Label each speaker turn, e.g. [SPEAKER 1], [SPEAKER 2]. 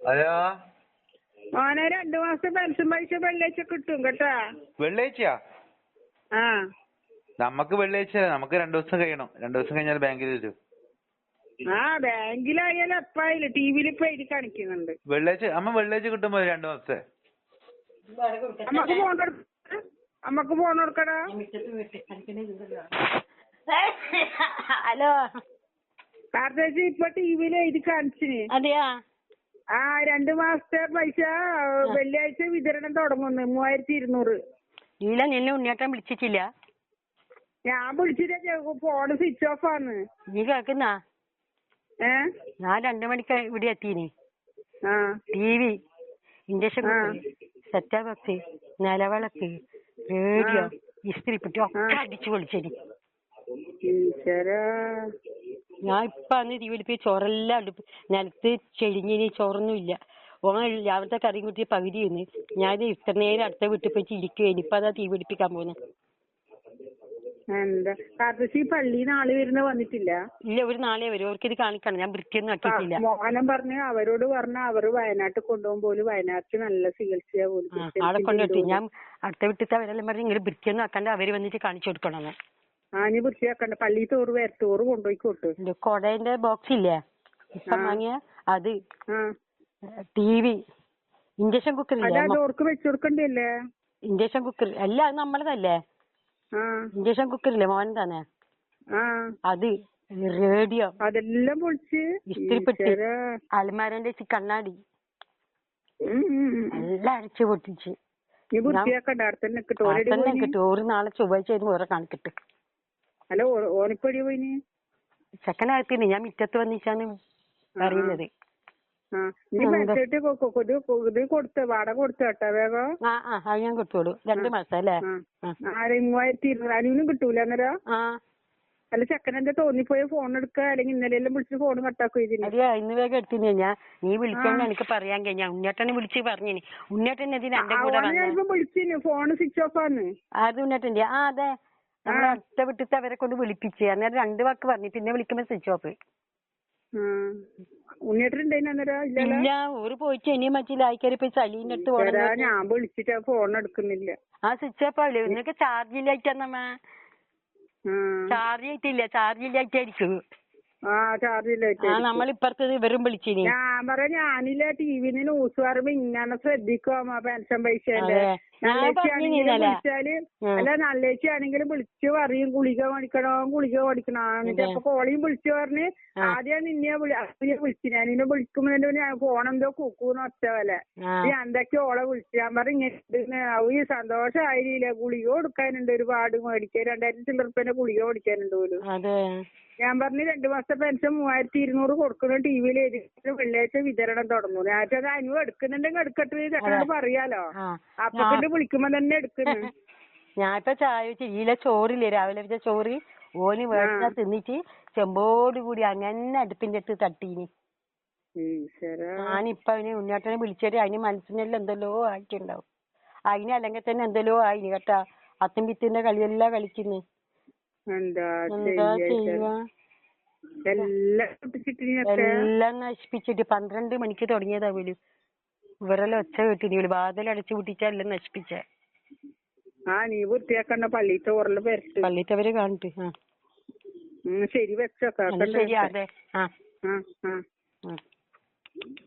[SPEAKER 1] Hello
[SPEAKER 2] മോനെ 2 മാസത്തെ pension പൈസ വെള്ളിയാഴ്ച കിട്ടും കേട്ടാ.
[SPEAKER 1] വെള്ളിയാഴ്ചയാ?
[SPEAKER 2] ആ
[SPEAKER 1] നമുക്ക് വെള്ളിയാഴ്ച, നമുക്ക് 2 ദിവസം കഴിയണം. 2 ദിവസം കഴിഞ്ഞാൽ ബാങ്കിൽ വരും.
[SPEAKER 2] ആ ബാങ്കിലായാലും എപ്പായാലും ടിവിയിൽ ഇപ്പൊ എഴുതി കാണിക്കുന്നുണ്ട്.
[SPEAKER 1] വെള്ളിയാഴ്ച കിട്ടുമ്പോ 2 മാസത്തെ
[SPEAKER 2] അമ്മക്ക് ഫോൺ കൊടുക്കടാ.
[SPEAKER 3] ഹലോ
[SPEAKER 2] കാർത്തേച്ചി ഇപ്പൊ ടിവിയിൽ എഴുതി കാണിച്ചിന്.
[SPEAKER 3] അതെയാ?
[SPEAKER 2] ആ 2 മാസത്തെ പൈസ വെള്ളിയാഴ്ച വിതരണം തുടങ്ങുന്നു. 3200.
[SPEAKER 3] ഇല്ല, നിന്നെ ഉണ്ണിയേട്ടൻ വിളിച്ചിട്ടില്ല.
[SPEAKER 2] ഞാൻ വിളിച്ചിട്ട് ഫോണ് സ്വിച്ച് ഓഫ് ആണ്.
[SPEAKER 3] നീ കേൾക്കുന്നാ? ഞാൻ 2 മണിക്ക് ഇവിടെ എത്തീനി. TV, induction cooker, set top box, നിലവിളക്ക്, റേഡിയോ, ഇസ്തിരിപ്പെട്ടി ഒക്കെ അടിച്ചു പൊളിച്ചേനി. ഞാൻ ഇപ്പൊ അന്ന് തീവലിപ്പി ചോറെല്ലാം നിലത്ത് ചെരിഞ്ഞിനി, ചോറൊന്നും ഇല്ല. രാവിലത്തെ കറിയും കുട്ടി പകുതി വന്ന് ഞാൻ ഇത്ര നേരം അടുത്ത വീട്ടിൽ പോയി ഇരിക്കുവേനി. ഇപ്പൊ അതാ തീ പിടിപ്പിക്കാൻ പോകുന്നത്.
[SPEAKER 2] എന്താ കാർത്തേച്ചി പള്ളിന്ന് ആള് വരുന്ന വന്നിട്ടില്ല?
[SPEAKER 3] ഇല്ല, ഒരു നാളെ വരും. അവർക്ക് ഇത് കാണിക്കണം. ഞാൻ വൃത്തിയൊന്നും ആക്കിയിട്ടില്ല.
[SPEAKER 2] മോഹനം പറഞ്ഞ് അവരോട് പറഞ്ഞ അവര് വയനാട്ടിൽ കൊണ്ടുപോകും പോലും. വയനാട്ടിൽ നല്ല ചികിത്സയാ പോലും.
[SPEAKER 3] അവിടെ കൊണ്ടുപോയി ഞാൻ അടുത്ത വീട്ടിലത്തെ അവരെല്ലാം പറഞ്ഞ് ഇങ്ങനെ വൃത്തിയൊന്നും ആക്കാണ്ട് അവര് വന്നിട്ട് കാണിച്ചു കൊടുക്കണമെന്ന്.
[SPEAKER 2] നീ വൃത്തിയാക്കണ്ട. പള്ളി തോറ് വരത്തോറ് കൊണ്ടുപോയിക്കോട്ട്.
[SPEAKER 3] കൊടേന്റെ ബോക്സ് ഇല്ലേ ഇപ്പം വാങ്ങിയ അത്, TV, ഇൻഡക്ഷൻ കുക്കർ ഇല്ലേ,
[SPEAKER 2] വെച്ചു കൊടുക്കണ്ടല്ലേ?
[SPEAKER 3] ഇൻഡക്ഷൻ കുക്കർ അല്ല, അത് നമ്മളതല്ലേ. ഇൻഡക്ഷൻ കുക്കർ ഇല്ലേ മോൻ തന്നെ, അത്, റേഡിയോ,
[SPEAKER 2] അതെല്ലാം പൊളിച്ച്,
[SPEAKER 3] ഇസ്തിരിപ്പെട്ടി, അലമാരന്റെ കണ്ണാടി എല്ലാം അടിച്ചു പൊട്ടിച്ച്. ഒരു നാളെ ചൊവ്വാഴ്ച വരുമ്പോ ഓരോ കാണിക്കട്ടെ.
[SPEAKER 2] ഹലോ, ഓനിപ്പടി പോയിന്?
[SPEAKER 3] ചെക്കനകത്തിന് ഞാൻ മുറ്റത്ത് വന്നിച്ചാണ് അറിയുന്നത്.
[SPEAKER 2] കൊടുത്ത വാടക കൊടുത്ത കേട്ടാ വേഗം.
[SPEAKER 3] അത് ഞാൻ കൊടുത്തോളൂ. 2 മാസം അല്ലേ?
[SPEAKER 2] 3200. അനുവിനും കിട്ടൂല അന്നേരം? അല്ല, ചെക്കനെന്താ തോന്നിപ്പോയ ഫോൺ എടുക്ക, അല്ലെങ്കിൽ ഇന്നലെല്ലാം വിളിച്ച് ഫോൺ കട്ടാക്കുക?
[SPEAKER 3] അതെയാ, ഇന്ന് വേഗം എടുത്തിന്. ഞാൻ നീ വിളിച്ചോണ്ട് എനിക്ക് പറയാൻ കഴിഞ്ഞ. ഉണ്ണിയേട്ടനെ വിളിച്ച് പറഞ്ഞിനി. ഉണ്ണിയേട്ടൻ ഇതിന് എന്റെ കൂടെ
[SPEAKER 2] വിളിച്ചിന്, ഫോൺ സ്വിച്ച് ഓഫ് ആണ്.
[SPEAKER 3] അത് ഉണ്ണിയേട്ടന്റെ? അതെ, നമ്മുടെ അടുത്ത വിട്ടിട്ട് അവരെ കൊണ്ട് വിളിപ്പിച്ച്. അന്നേരം 2 വാക്ക് പറഞ്ഞു, പിന്നെ വിളിക്കുമ്പോ സ്വിച്ച് ഓഫ്. ഇല്ല, ഊര് പോയിട്ട് ഇനിയും മറ്റില്ല. ആയിക്കാരി പോയി സലീന്റെ അടുത്ത് പോകണം.
[SPEAKER 2] ഞാൻ വിളിച്ചിട്ട് ഫോൺ എടുക്കുന്നില്ല.
[SPEAKER 3] സ്വിച്ച് ഓഫ് ആവില്ലേ? നിനക്ക് ചാർജ് ഇല്ലായിട്ടമ്മ. ചാർജ് ചെയ്തിട്ടില്ല, ചാർജ് ഇല്ലായിട്ടായിരിക്കും. നമ്മളിപ്പുറത്ത് ഇവരും വിളിച്ചിനി.
[SPEAKER 2] ഞാൻ പറയാ, ഞാനില്ല ടിവിന്ന് ന്യൂസ് പറയുമ്പോ ഇങ്ങനെ ശ്രദ്ധിക്കും പെൻഷൻ പൈസേന്റെ. വിളിച്ചാല് അല്ല, നല്ലേച്ചാണെങ്കിലും വിളിച്ചു പറയും ഗുളിക മേടിക്കണോ. അപ്പൊ കോളിയും വിളിച്ചു പറഞ്ഞ് ആദ്യം നിന്നെ വിളിച്ചു. ഞാൻ നിന്നെ വിളിക്കുമ്പോ ഫോണെന്തോ കുക്കൂന്ന് ഒറ്റ പോലെ. ഞാൻ എന്തൊക്കെ ഓളെ വിളിച്ചു. ഞാൻ പറഞ്ഞ ഈ സന്തോഷമായില്ലേ, ഗുളിക കൊടുക്കാനുണ്ട് ഒരുപാട് മേടിക്കാൻ. 2000 ചില്ലറുപ്പ്യന്റെ ഗുളിക മേടിക്കാനുണ്ട് പോലും. ഞാൻ പറഞ്ഞു 2 മാസത്തെ പെൻഷൻ 3200 കൊടുക്കണം. ടിവിയിൽ വെള്ളിയാഴ്ച വിതരണം തുടങ്ങും. ഞാനത് അനുവ് എടുക്കുന്നുണ്ടെങ്കിൽ എടുക്കട്ടെ, ചെക്കനോട് പറയാലോ. അപ്പൊ കൊണ്ട് വിളിക്കുമ്പോ തന്നെ എടുക്കുന്നു.
[SPEAKER 3] ഞാനിപ്പോ ചായ വെച്ചില്ല, ചോറില്ലേ രാവിലെ വെച്ച ചോറ് ഓന് വേണ്ട തിന്നിട്ട് ചെമ്പോട് കൂടി അങ്ങനെ അടുപ്പിന്റെ അടുത്ത് തട്ടീനി. ഞാനിപ്പൊ അവന് ഉണ്ണിയേട്ടനെ വിളിച്ചിട്ട് അതിന് മനസ്സിനെല്ലാം എന്തെല്ലോ ആയിട്ടുണ്ടാവും. അതിന് അല്ലെങ്കിൽ തന്നെ എന്തെല്ലോ ആയിന് കേട്ടാ. അത്തും പിത്തിന്റെ കളിയെല്ലാം കളിക്കുന്നു. എന്താ ചെയ്യുക? എല്ലാം നശിപ്പിച്ചിട്ട് 12 മണിക്ക് തുടങ്ങിയതാ പോലും. ഇവരെല്ലാം ഒച്ച കേട്ടിന്. വാതിൽ അടച്ചു പൂട്ടിച്ചാ എല്ലാം നശിപ്പിച്ചേ.
[SPEAKER 2] നീ വൃത്തിയാക്കണ്ട. പള്ളിത്തവര്
[SPEAKER 3] കാണിട്ട്.
[SPEAKER 2] ശരി, വെച്ചോ.
[SPEAKER 3] ശരി, അതെ.